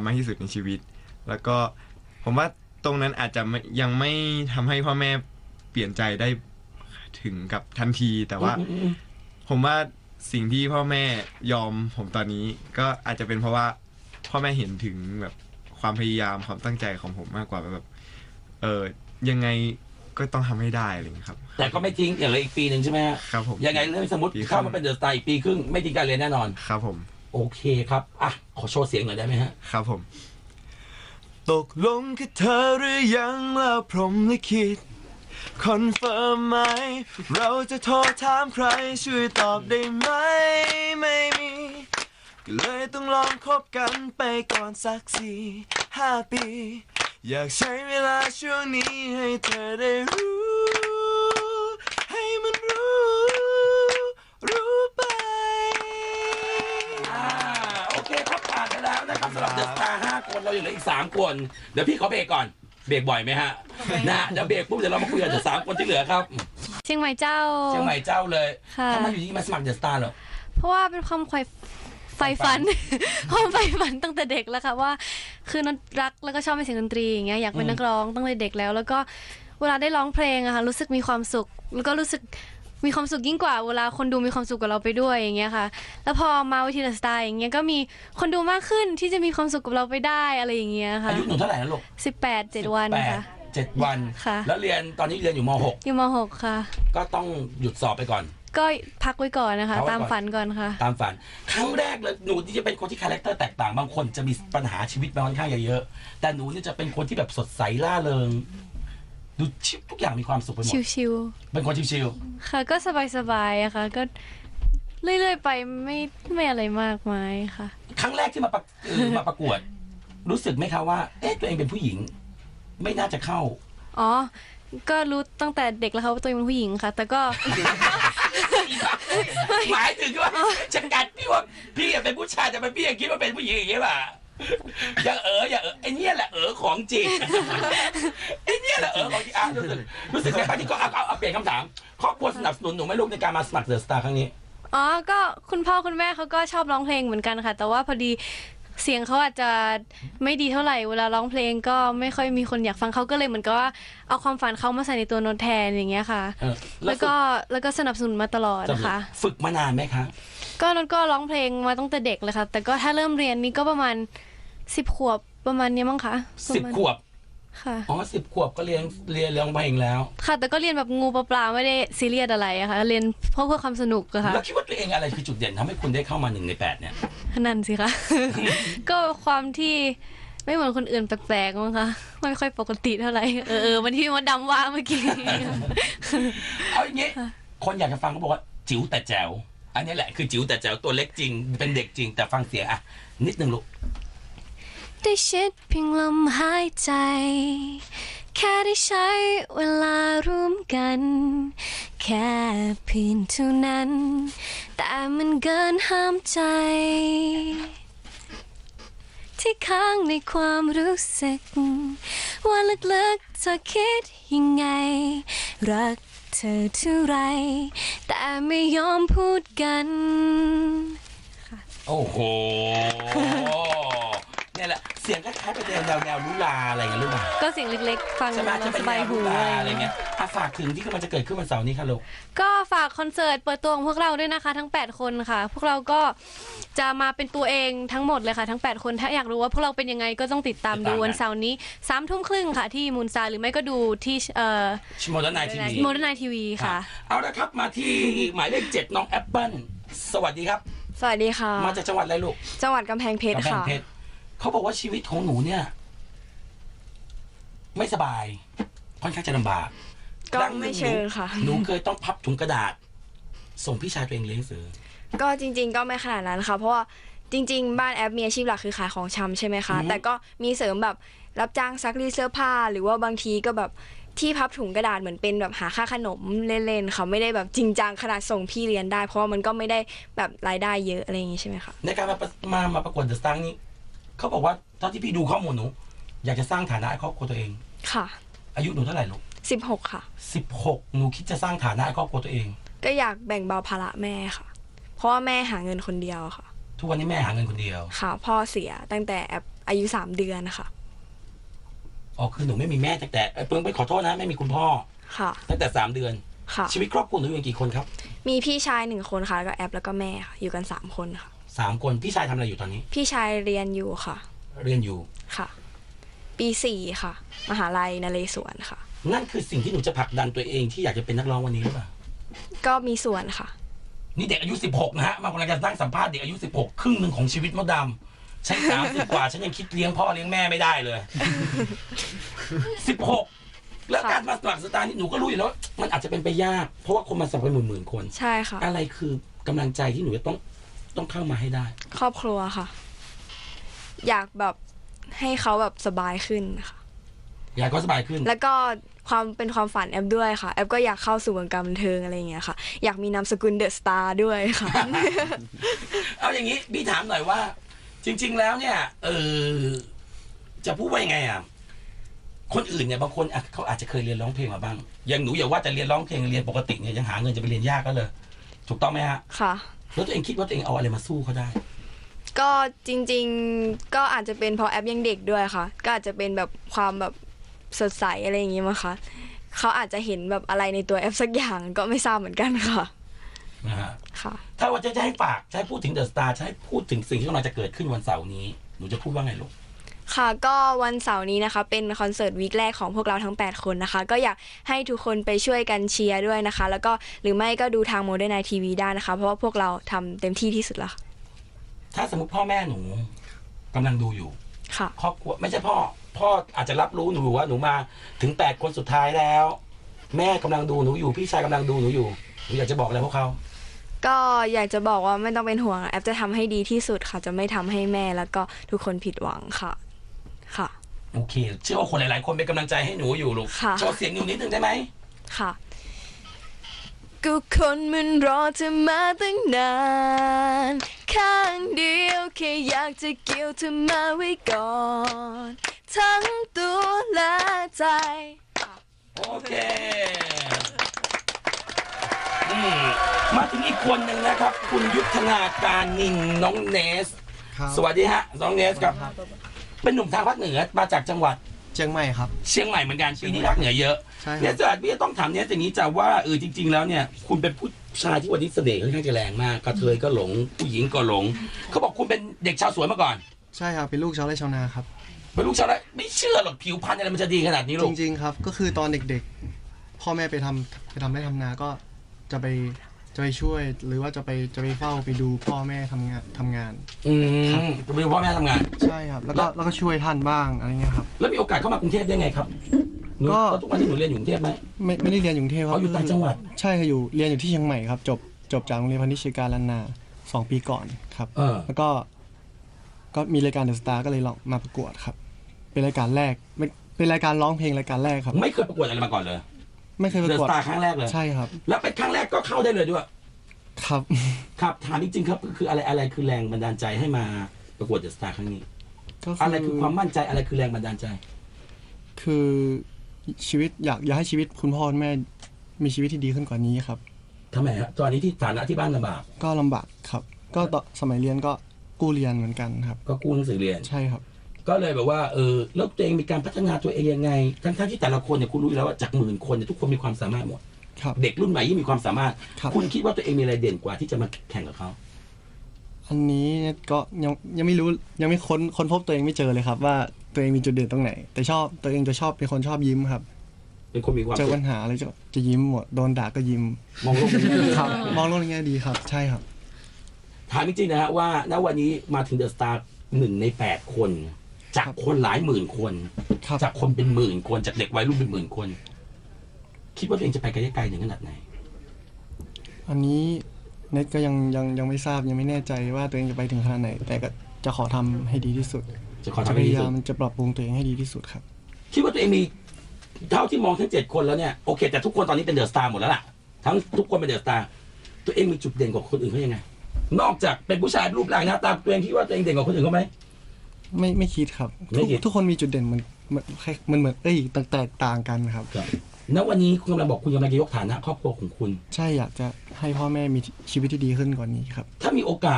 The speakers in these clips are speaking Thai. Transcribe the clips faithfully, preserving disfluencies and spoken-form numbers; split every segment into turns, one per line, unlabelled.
มากที่สุดในชีวิตแล้วก็ผมว่าตรงนั้นอาจจะยังไม่ทำให้พ่อแม่เปลี่ยนใจได้ถึงกับทันทีแต่ว่าผมว่าสิ่งที่พ่อแม่ยอมผมตอนนี้ก็อาจจะเป็นเพราะว่าพ่อแม่เห็นถึงแบบความพยายามความตั้งใจของผมมากกว่าแบบเออยังไงก็ต้องทำให้ได้อะไรอย่างนี้ครับ
แต่ก็ไม่ทิ้งอย่างเลยอีกปีหนึ่งใช่ไหม
ครับผม
ยังไงเรื่องสมมติเข้ามาเป็นเดอะสตาร์อีกปีครึ่งไม่ทิ้งการเรียนแน่นอน
ครับผม
โอเคครับอ่ะขอโชว์เสียงหน่อยได้ไหมฮะ
ครับผมตกลงกับเธอหรือยังแล้วพรหมลิขิตคอนเฟิร์มไหมเราจะโทรถามใครช่วยตอบได้ไหมไม่มีก็เลยต้องลองคบกันไปก่อนสักสี่ห้าปีอยากใช้เวลาช่วงนี้ให้เธอได้รู้ให้มันรู้รู้ไป
อ่าโอเคครับผ่านไปแล้วนะครับสำหรับเดอะสตาร์ห้าคนเราอยู่เหลืออีกสามคนเดี๋ยวพี่ขอเบรกก่อนเบรกบ่อยไหมฮะนะเดี๋ยวเบรกปุ๊บเดี๋ยวเรามาคุยกันเดอะสามคนที่เหลือครับ
เชียงใหม่เจ้า
เชียงใหม่เจ้าเลยทำไมอยู่ที่มาสมัครเดอะสตาร์เหรอ
เพราะว่าเป็นความใฝ่ใฝ่ฝันความใฝ่ฝันตั้งแต่เด็กแล้วค่ะว่าคือนักรักแล้วก็ชอบเสียงดนตรีอย่างเงี้ยอยากเป็นนักร้องตั้งแต่เด็กแล้วแล้วก็เวลาได้ร้องเพลงอะค่ะรู้สึกมีความสุขแล้วก็รู้สึกมีความสุขยิ่งกว่าเวลาคนดูมีความสุขกับเราไปด้วยอย่างเงี้ยค่ะแล้วพอมาวิธีเดอะสตาร์อย่างเงี้ยก็มีคนดูมากขึ้นที่จะมีความสุขกับเราไปได้อะไรอย่างเงี้ยค่ะ
อายุหนูเท่าไหร่แล้วลูก
สิบแปดเจ็ดวันค่ะ
เจ็ดวัน
ค่ะ
แล้วเรียนตอนนี้เรียนอยู่ม.หก
อยู่ม.หกค่ะ
ก็ต้องหยุดสอบไปก่อน
ก็พักไว้ก่อนนะคะตามฝันก่อนค่ะ
ตามฝันครั้งแรกเลยหนูที่จะเป็นคนที่คาแรคเตอร์แตกต่างบางคนจะมีปัญหาชีวิตมาค่อนข้างเยอะๆแต่หนูนี่จะเป็นคนที่แบบสดใสล่าเริงดูชิวทุกอย่างมีความสุขไปหมด
ชิว
ๆเป็นคนชิว
ๆค่ะก็สบายๆอะค่ะก็เรื่อยๆไปไม่ไม่อะไรมากมายค่ะ
ครั้งแรกที่มาประมาประกวดรู้สึกไหมคะว่าเอ๊ะตัวเองเป็นผู้หญิงไม่น่าจะเข้า
อ๋อก็รู้ตั้งแต่เด็กแล้วค่ะว่าตัวเองเป็นผู้หญิงค่ะแต่ก็
หมายถึงว่าจะกัดพี่ว่าพี่เป็นผู้ชายแต่พี่ยังคิดว่าเป็นผู้หญิงอย่างเงี้ยป่ะอย่าเอออย่าเออไอ้นี่แหละเออของจริงไอ้นี่แหละเออของจริงอ่ะรู้สึกรู้สึกไงบ้างที่ก็เอาเอาเปลี่ยนคำถามครอบครัวสนับสนุนหนูไหมลูกในการมาสมัครเดอะสตาร์ครั้งนี้
อ๋อก็คุณพ่อคุณแม่เขาก็ชอบร้องเพลงเหมือนกันค่ะแต่ว่าพอดีเสียงเขาอาจจะไม่ดีเท่าไหร่เวลาร้องเพลงก็ไม่ค่อยมีคนอยากฟังเขาก็เลยเหมือนกับว่าเอาความฝันเขามาใส่ในตัวโน้ตแทนอย่างเงี้ยค่ะแล้วก็แล้วก็สนับสนุนมาตลอดนะคะ
ฝึกมานานไหมคะ
ก็โน้ตก็ร้องเพลงมาตั้งแต่เด็กเลยค่ะแต่ก็ถ้าเริ่มเรียนนี่ก็ประมาณสิบขวบประมาณนี้มั้งคะ
สิบขวบ
ค่ะ
อ๋อสิบขวบก็เรียนเรียนร้องเพลงแล้ว
ค่ะแต่ก็เรียนแบบงูปลาไม่ได้ซีเรียสอะไรอะค่ะเรียนเพราะเพื่อความสนุกอะค่ะ
แล้วคิดว่าตัวเองอะไรคือจุดเด่นทำให้คุณได้เข้ามาหนึ่งในแปดเนี่ย
นั่นสิคะ ก็ความที่ไม่เหมือนคนอื่นแปลกๆมั้งคะไม่ค่อยปกติเท่าไหร่เออมันที่มดดำว่าเมื่อกี้
เอาอย่างงี้คนอยากจะฟังเขาบอกว่าจิ๋วแต่แจ๋วอันนี้แหละคือจิ๋วแต่แจ๋วตัวเล็กจริงเป็นเด็กจริงแต่ฟังเสียงอะนิดนึงลูก
ได้ชิดเพียงลมหายใจแค่ได้ใช้เวลาร่วมกันแค่เพียงเท่านั้นแต่มันเกินห้ามใจที่ค้างในความรู้สึกว่าลึกๆเธอคิดยังไงรักเธอเท่าไรแต่ไม่ยอมพูดกัน
โอ้โหนี่แหละเสียงคล้ายๆเป็นแนวแนวลุลาอะไรเงี้ยลูก
ก็เสียงเล็กๆฟังสบายหู
อะไรเงี้ยฝากถึงที่กำลังจะเกิดขึ้นวันเสาร์นี้ค่ะลูก
ก็ฝากคอนเสิร์ตเปิดตัวของพวกเราด้วยนะคะทั้งแปดคนค่ะพวกเราก็จะมาเป็นตัวเองทั้งหมดเลยค่ะทั้งแปดคนถ้าอยากรู้ว่าพวกเราเป็นยังไงก็ต้องติดตามดูวันเสาร์นี้สามทุ่มครึ่งค่ะที่มูนซาหรือไม่ก็ดูที่เอ่อ
โมเดิร์นไนท์ทีวี
โมเดิร์นไนท์ทีวีค่ะ
เอาละครับมาที่หมายเลขเจ็ดน้องแอปเปิ้ลสวัสดีครับ
สวัสดีค่ะ
มาจากจังหวัดอะไรลูก
จังหวัดกำแพงเพชรค่ะ
เขาบอกว่าชีวิตของหนูเนี่ยไม่สบายค่อนข้างจะลำบาก
ก็ไม่เชิงค่ะ
หนูเคยต้องพับถุงกระดาษส่งพี่ชายตัวเองเลี้ยงเสือ
ก็จริงๆก็ไม่ขนาดนั้นค่ะเพราะว่าจริงๆบ้านแอปมีอาชีพหลักคือขายของชำใช่ไหมคะแต่ก็มีเสริมแบบรับจ้างซักรีดเสื้อผ้าหรือว่าบางทีก็แบบที่พับถุงกระดาษเหมือนเป็นแบบหาค่าขนมเล่นๆค่ะไม่ได้แบบจริงจังขนาดส่งพี่เรียนได้เพราะว่ามันก็ไม่ได้แบบรายได้เยอะอะไรอย่างงี้ใช่ไหมคะ
ในการมามามาประกวดเดอะสตาร์นี้เขาบอกว่าตอนที่พี่ดูข้อมูลหนูอยากจะสร้างฐานะให้ครอบครัวตัวเอง
ค่ะ
อายุหนูเท่าไหร่ลูก
สิบหกค่ะ
สิบหกหนูคิดจะสร้างฐานะให้ครอบครัวตัวเอง
ก็อยากแบ่งเบาภาระแม่ค่ะเพราะว่าแม่หาเงินคนเดียวค่ะ
ทุกวันนี้แม่หาเงินคนเดียว
ค่ะพ่อเสียตั้งแต่แอปอายุสามเดือนค่ะ
อ๋อคือหนูไม่มีแม่ตั้งแต่เพิ่งไปขอโทษนะไม่มีคุณพ่อ
ค่ะ
ตั้งแต่สามเดือน
ค่ะ
ชีวิตครอบครัวหนูอยู่กันกี่คนครับ
มีพี่ชายหนึ่งคนค่ะแล้วก็แอปแล้วก็แม่ค่ะอยู่กันสามคนค่ะ
สามคนพี่ชายทำอะไรอยู่ตอนนี้
พี่ชายเรียนอยู่ค่ะ
เรียนอยู่
ค่ะปีสี่ค่ะมหาลัยนเรศวรค่ะ
นั่นคือสิ่งที่หนูจะผลักดันตัวเองที่อยากจะเป็นนักร้องวันนี้หรือเปล่า
ก็มีส่วนค่ะ
นี่เด็กอายุสิบหกนะฮะมากำลังจะนั่งสัมภาษณ์เด็กอายุสิบหกครึ่งหนึ่งของชีวิตมดดำฉันสามสิบกว่าฉันยังคิดเลี้ยงพ่อเลี้ยงแม่ไม่ได้เลยสิบหกแล้วการมาสมัครสตาร์นี่หนูก็รู้อยู่แล้วมันอาจจะเป็นไปยากเพราะว่าคนมาสมัครเป็นหมื่นๆคน
ใช่ค่ะ
อะไรคือกำลังใจที่หนูจะต้องต้องเข้ามาให้ได้
ครอบครัวค่ะอยากแบบให้เขาแบบสบายขึ้นค่ะ
อยากเขาสบายขึ้น
แล้วก็ความเป็นความฝันแอปด้วยค่ะแอปก็อยากเข้าสู่วงการบันเทิงอะไรอย่างเงี้ยค่ะอยากมีนามสกุลเดอะสตาร์ด้วยค่ะ
เอาอย่างนี้พี่ถามหน่อยว่าจริงๆแล้วเนี่ยเออจะพูดว่ายังไงอ่ะคนอื่นเนี่ยบางคนเขาอาจจะเคยเรียนร้องเพลงมาบ้างอย่างหนูอย่าว่าแต่เรียนร้องเพลงเรียนปกติเนี่ยยังหาเงินจะไปเรียนยากก็เลยถูกต้องไหมฮะ
ค่ะ
แล้วตัวเองคิดว่าตัวเองเอาอะไรมาสู้เขาได้
ก็จริงๆก็อาจจะเป็นเพราะแอปยังเด็กด้วยค่ะก็อาจจะเป็นแบบความแบบสดใสอะไรอย่างงี้มั้งคะเขาอาจจะเห็นแบบอะไรในตัวแอปสักอย่างก็ไม่ทราบเหมือนกันค่ะ
นะฮะ
ค่ะ
ถ้าว่าจะให้ฝากจะให้พูดถึงเดอะสตาร์จะให้พูดถึงสิ่งที่กำลังจะเกิดขึ้นวันเสาร์นี้หนูจะพูดว่าไงลูก
ค่ะก็วันเสาร์นี้นะคะเป็นคอนเสิร์ตวีคแรกของพวกเราทั้งแปดคนนะคะก็อยากให้ทุกคนไปช่วยกันเชียร์ด้วยนะคะแล้วก็หรือไม่ก็ดูทางโมเดิร์นไนท์ทีวีได้นะคะเพราะว่าพวกเราทำเต็มที่ที่สุดแล้ว
ถ้าสมมติพ่อแม่หนูกำลังดูอยู่
ค่ะ
ครอบครัวไม่ใช่พ่อพ่ออาจจะรับรู้หนูว่าหนูมาถึงแปดคนสุดท้ายแล้วแม่กำลังดูหนูอยู่พี่ชายกำลังดูหนูอยู่หนูอยากจะบอกอะไรพวกเขา
ก็อยากจะบอกว่าไม่ต้องเป็นห่วงแอปจะทำให้ดีที่สุดค่ะจะไม่ทำให้แม่แล้วก็ทุกคนผิดหวังค่ะค่ะ
โอเคเชื่อว่าคนหลายๆคนเป็นกำลังใจให้หนูอยู่ลูกโชว์เสียงหนูนิดนึงได้ไหม
ค่ะก็คนมันรอเธอมาตั้งนานข้างเดียวแค่อยากจะเกี่ยวเธอมาไว้ก่อนทั้งตัวและใจ
โอเคมาถึงอีกคนหนึ่งนะครับคุณยุทธนาการนินน้องเนสสวัสดีฮะน้องเนสครับเป็นหนุ่มทางภาคเหนือมาจากจังหวัด
เชียงใหม่ครับ
เชียงใหม่เหมือนกันปีนี้ภาคเหนือเยอะเนี่ยจะพี่จะต้องถามเนี่ยอย่างนี้จะว่าเออจริงๆแล้วเนี่ยคุณเป็นผู้ชายที่วันนี้เสน่ห์ค่อนข้างจะแรงมากกระเทยก็หลงผู้หญิงก็หลงเขาบอกคุณเป็นเด็กชาวสวนมาก่อน
ใช่ครับเป็นลูกชาวไร่ชาวนาครับ
เป็นลูกชาวไร่ไม่เชื่อหรอกผิวพรรณอะไรมันจะดีขนาดนี้ลูก
จริงๆครับก็คือตอนเด็กๆพ่อแม่ไปทำไปทำไร่ทำนาก็จะไปจะไปช่วยหรือว่าจะไปจะไปเฝ้าไปดูพ่อแม่ทำงานทำงาน
อืมจะไปดูพ่อแม่ทำงาน
ใช่ครับแล้วก็แล้วก็ช่วยท่านบ้างอะไรเงี้ยครับ
แล้วมีโอกาสเข้ามากรุงเทพได้ไงครับก็ทุกวันที่หนูเรียนอยู่กรุงเทพไหม
ไม่ไม่ได้เรียนอยู่กรุงเทพครับ
อยู่ต่างจังหวัด
ใช่ค่ะอยู่เรียนอยู่ที่เชียงใหม่ครับจบจบจากโรงเรียนพาณิชยการล้านนาสองปีก่อนครับแล้วก็ก็มีรายการเดอะสตาร์ก็เลยลองมาประกวดครับเป็นรายการแรกเป็นรายการร้องเพลงรายการแรกครับ
ไม่เคยประกวดอะไรมาก่อนเลย
ไม่เคยประกวด
เดอะสตาร์ครั้งแรกเลย
ใช่ครับ
แล้วเป็นครั้งแรกก็เข้าได้เลยด้วย
ครับ
ครับถามจริงๆครับคืออะไรอะไรคือแรงบันดาลใจให้มาประกวดเดอะสตาร์ครั้งนี้อะไรคือความมั่นใจอะไรคือแรงบันดาลใจ
คือชีวิตอยากอยากให้ชีวิตคุณพ่อคุณแม่มีชีวิตที่ดีขึ้นกว่านี้ครับ
ทำไมครับตอนนี้ที่ฐานะที่บ้านลำบาก
ก็ลำบากครับก็ตอนสมัยเรียนก็กู้เรียนเหมือนกันครับ
ก็กู้หนังสือเรียน
ใช่ครับ
ก็เลยแบบว่าเออแล้วตัวเองมีการพัฒนาตัวเองยังไงทั้งๆที่แต่ละคนเนี่ยคุณรู้อยู่แล้วว่าจากหมื่นคนเนี่ยทุกคนมีความสามารถหมดเด็กรุ่นใหม่ยิ่งมีความสามารถคุณคิดว่าตัวเองมีอะไรเด่นกว่าที่จะมาแข่งกับเขา
อันนี้ก็ยังยังไม่รู้ยังไม่ค้นค้นพบตัวเองไม่เจอเลยครับว่าตัวเองมีจุดเด่นตรงไหนแต่ชอบตัวเองจะชอบเป็นคนชอบยิ้มครับ
เป็นคนมีความ
เจอปัญหาอะไรจะจะยิ้มหมดโดนด่าก็ยิ้ม
มองโลกในแง่ดี
ครับมองโลกในแง่ดีครับใช่ครับ
ถามจริงๆนะฮะว่าณวันนี้มาถึงเดอะสตาร์หนึ่งในแปดคนจากคนหลายหมื่นคนจากคนเป็นหมื่นคนจากเด็กวัยรุ่นเป็นหมื่นคนคิดว่าตัวเองจะไปไกลไกลถึงขนาดไหน
อันนี้เน็ตก็ยังยังยังไม่ทราบยังไม่แน่ใจว่าตัวเองจะไปถึงขนาดไหนแต่ก็จะขอทำให้ดีที่สุด
จะขอทำให้ดีที่สุด
มันจะปรับปรุงตัวเองให้ดีที่สุดครับ
คิดว่าตัวเองมีเท่าที่มองทั้งเจ็ดคนแล้วเนี่ยโอเคแต่ทุกคนตอนนี้เป็นเดอะสตาร์หมดแล้วล่ะทั้งทุกคนเป็นเดอะสตาร์ตัวเองมีจุดเด่นกว่าคนอื่นเขายังไงนอกจากเป็นผู้ชายรูปร่างหน้าตาตัวเองคิดว่าตัวเองเด่นกว่าคนอื่นเขาไหม
ไม่ไม่คิดครับทุกคนมีจุดเด่นมันมันเหมือนเอ้ยแตกต่างกันครับ
ณวันนี้คุณกำลังบอกคุณกำลังจะยกฐานะครอบครัวของคุณ
ใช่อยากจะให้พ่อแม่มีชีวิตที่ดีขึ้นกว่านี้ครับ
ถ้ามีโอกาส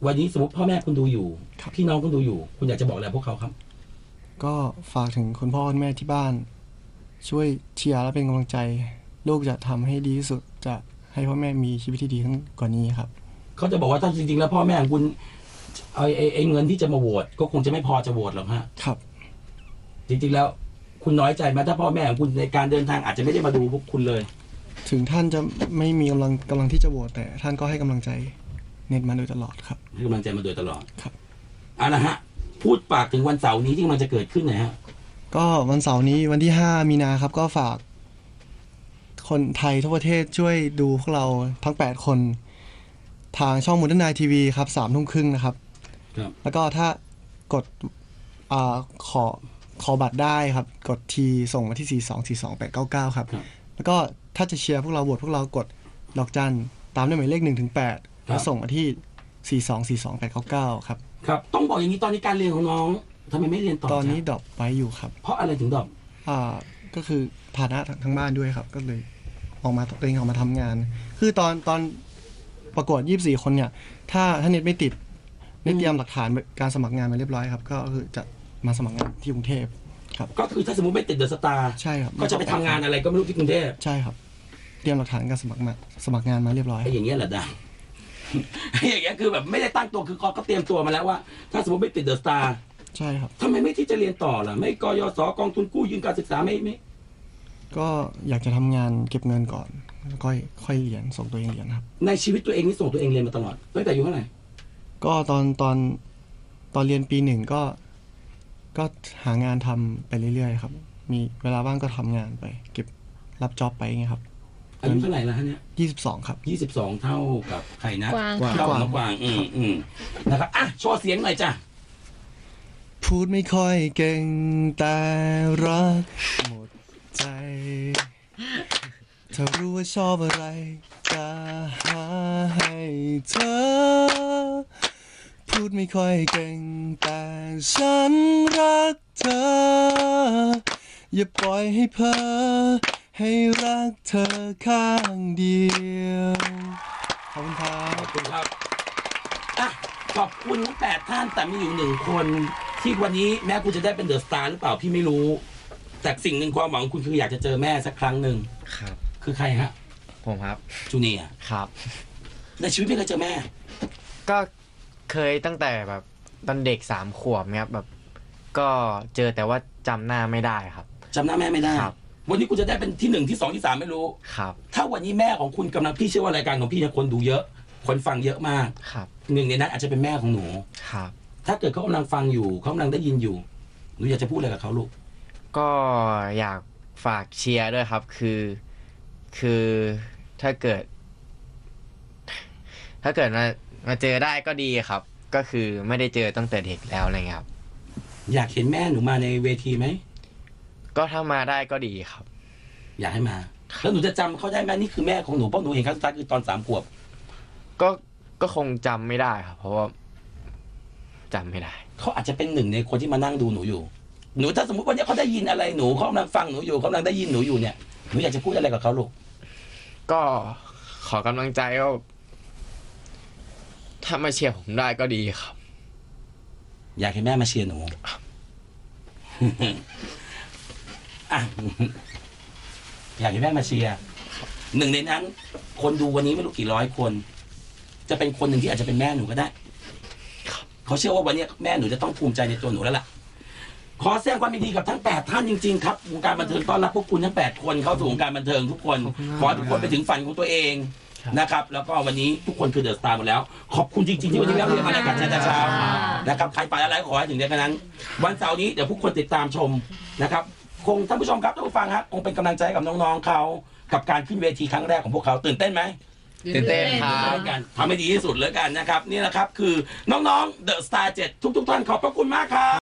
วันนี้สมมติพ่อแม่คุณดูอยู่
ครับ
พี่น้องคุณดูอยู่ คุณอยากจะบอกอะไรพวกเขาครับ
ก็ฝากถึงคุณพ่อคุณแม่ที่บ้าน ช่วยเชียร์และเป็นกำลังใจ ลูกจะทำให้ดีที่สุดจะให้พ่อแม่มีชีวิตที่ดีขึ้นกว่านี้ครับ
เขาจะบอกว่าถ้าจริงๆแล้วพ่อแม่ของคุณไอ้ไอ้ไอ้เงินที่จะมาโหวตก็คงจะไม่พอจะโหวตหรอกฮะ
ครับ
จริงๆแล้วคุณน้อยใจไหมถ้าพ่อแม่ของคุณในการเดินทางอาจจะไม่ได้มาดูพวกคุณเลย
ถึงท่านจะไม่มีกำลังกำลังที่จะโหวตแต่ท่านก็ให้กำลังใจเน็ตมาโดยตลอดครับ
ให้กำลังใจมาโดยตลอด
ครับ
เอาละฮะ พูดปากถึงวันเสาร์นี้ที่มันจะเกิดขึ้นหน่อยฮะ
ก็วันเสาร์นี้วันที่ห้ามีนาครับ ก็ฝากคนไทยทั่วประเทศช่วยดูพวกเราทั้งแปดคน ทางช่องมูลนายทีวีครับสามทุ่มครึ่งนะครับ
ครับ
แล้วก็ถ้ากดอ่าขอขอบัตรได้ครับ กดทีส่งมาที่ สี่ สอง สี่ สอง แปด เก้า เก้า ครับ
ครับ
แล้วก็ถ้าจะเชียร์พวกเราโหวตพวกเรากดดอกจันตามด้วยหมายเลขหนึ่งถึงแปดแล้วส่งมาที่ สี่ สอง สี่ สอง แปด เก้า เก้า ครับ
ครับ ต้องบอกอย่างนี้ตอนนี้การเรียนของน้องทำไมไม่เรียนต่อ
ตอนนี้
จ๊ะ
ดรอปไว้อยู่ครับ
เพราะอะไรถึงดรอป
อ่าก็คือฐานะทั้งบ้านด้วยครับ ก็เลยออกมาตัวเองออกมาทำงาน คือตอนตอนประกวดยี่สิบสี่คนเนี่ย ถ้าถ้าเน็ตไม่ติดเน็ตเตรียมหลักฐานการสมัครงานมาเรียบร้อยครับ ก็คือจะมาสมัครงานที่กรุงเทพครับ
ก็คือถ้าสมมติไม่ติดเดอะสตาร์
ใช่ครับ
ก็จะไปทำงานอะไรก็ไม่รู้ที่กรุงเทพ
ใช่ครับ เตรียมหลักฐานการสมัครมาสมัครงานมาเรียบร้อย
ไอ้อย่างเงี้ยแหละดัง ไอ้อย่างเงี้ยคือแบบไม่ได้ตั้งตัวคือเขาก็เตรียมตัวมาแล้วว่า ถ้าสมมติไม่ติดเดอะสตาร์
ใช่ครับ
ทำไมไม่ที่จะเรียนต่อล่ะไม่กยศกองทุนกู้ยืมการศึกษาไม่ไม่
ก็อยากจะทำงานเก็บเงินก่อนแล้วค่อยค่อยเรียนส่งตัวเองเรียนครับ
ในชีวิตตัวเองนี่ส่งตัวเองเรียนมาตลอดตั้งแต่อายุเท่าไหร่
ก็ตอนตอนตอนเรียนปีหนึ่งก็ ก็หางานทำไปเรื่อยๆครับ มีเวลาว่างก็ทำงานไป เก็บรับจ็อบไปอย่างเงี้ยครับ
อายุเท่าไหร่แล้วฮะเนี่ย
ยี่สิบสองครับ
ยี่สิบสองเท่ากับใครนะ
กวาง
เท่ากับน้องกวางอืมอืมนะครับอ่ะโชว์เสียงหน่อยจ้ะ
พูดไม่ค่อยเก่งแต่รักหมดใจถ้ารู้ว่าชอบอะไรจะหาให้เธอ พูดไม่ค่อยเก่งแต่ฉันรักเธอ อย่าปล่อยให้เพ้อให้รักเธอข้างเดียวขอบคุณครั
ข
บ
อบคุณครับอ่ะขอบคุณทั้งแปดท่านแต่มีอยู่หนึ่งคนที่วันนี้แม้คุณจะได้เป็นเดอะสตาร์หรือเปล่าพี่ไม่รู้ แต่สิ่งหนึ่งความหวังของคุณคืออยากจะเจอแม่สักครั้งหนึ่ง
ครับ
คือใครฮะ
ผมครับ
จูเนียร์
ครับ
ในชีวิตไม่เคยเจอแม่
ก็เคยตั้งแต่แบบตอนเด็กสามขวบเนี่ยครับแบบ ก็เจอแต่ว่าจำหน้าไม่ได้ครับ
จำหน้าแม่ไม่ได้
ครับ
วันนี้คุณจะได้เป็นที่หนึ่งที่สองที่สามไม่รู้
ครับ
ถ้าวันนี้แม่ของคุณกำลังพี่เชื่อว่ารายการของพี่เนี่ยคนดูเยอะ คนฟังเยอะมาก
ครับ
หนึ่งในนั้นอาจจะเป็นแม่ของหนู
ครับ
ถ้าเกิดเขากำลังฟังอยู่เขากำลังได้ยินอยู่หนูอยากจะพูดอะไรกับเขาลูก
ก็อยากฝากเชียร์ด้วยครับ คือ คือถ้าเกิด ถ้าเกิดมามาเจอได้ก็ดีครับ ก็คือไม่ได้เจอตั้งแต่เด็กแล้วอะไรเงี้ยครับ
อยากเห็นแม่หนูมาในเวทีไหม
ก็ถ้ามาได้ก็ดีครับ
อยากให้มา แล้วหนูจะจำเขาได้ไหมนี่คือแม่ของหนูเพราะหนูเห็นครั้งสุดท้ายคือตอนสามขวบ
ก็ก็คงจำไม่ได้ครับ เพราะว่าจำไม่ได้
เขาอาจจะเป็นหนึ่งในคนที่มานั่งดูหนูอยู่ หนูถ้าสมมติวันนี้เขาได้ยินอะไรหนูเขากำลังฟังหนูอยู่เขากำลังได้ยินหนูอยู่เนี่ยหนูอยากจะพูดอะไรกับเขาลูก
ก็ขอกำลังใจก็ถ้ามาเชียร์ผมได้ก็ดีครับ
อยากให้แม่มาเชียร์หนู อ่ะ อยากให้แม่มาเชียร์หนึ่งในนั้น คนดูวันนี้ไม่รู้กี่ร้อยคน จะเป็นคนหนึ่งที่อาจจะเป็นแม่หนูก็ได้เขาเชื่อว่าวันนี้แม่หนูจะต้องภูมิใจในตัวหนูแล้วล่ะ ขอแสดงความยินดีกับทั้งแปดท่านจริงๆครับวงการบันเทิงต้อนรับพวกคุณทั้งแปดคนเข้าสู่วงการบันเทิงทุกคน ขอให้ทุกคนไปถึงฝันของตัวเองนะครับ แล้วก็วันนี้ทุกคนคือเดอะสตาร์หมดแล้ว ขอบคุณจริงๆที่วันนี้เราเรียนมารายการเช้าเช้านะครับใครไปอะไรขอให้ถึงเดือนนั้น วันเสาร์นี้เดี๋ยวทุกคนติดตามชมนะครับ คงท่านผู้ชมครับท่านผู้ฟังครับคงเป็นกำลังใจกับน้องๆเขากับการขึ้นเวทีครั้งแรกของพวกเขาตื่นเต้นไหม
ตื่นเต้นครับ
กันทำให้ดีที่สุดเลยกันนะครับนี่แหละครับคือน้องๆเดอะสตาร์เจ็ดทุกๆท่านขอบพระคุณมากครับ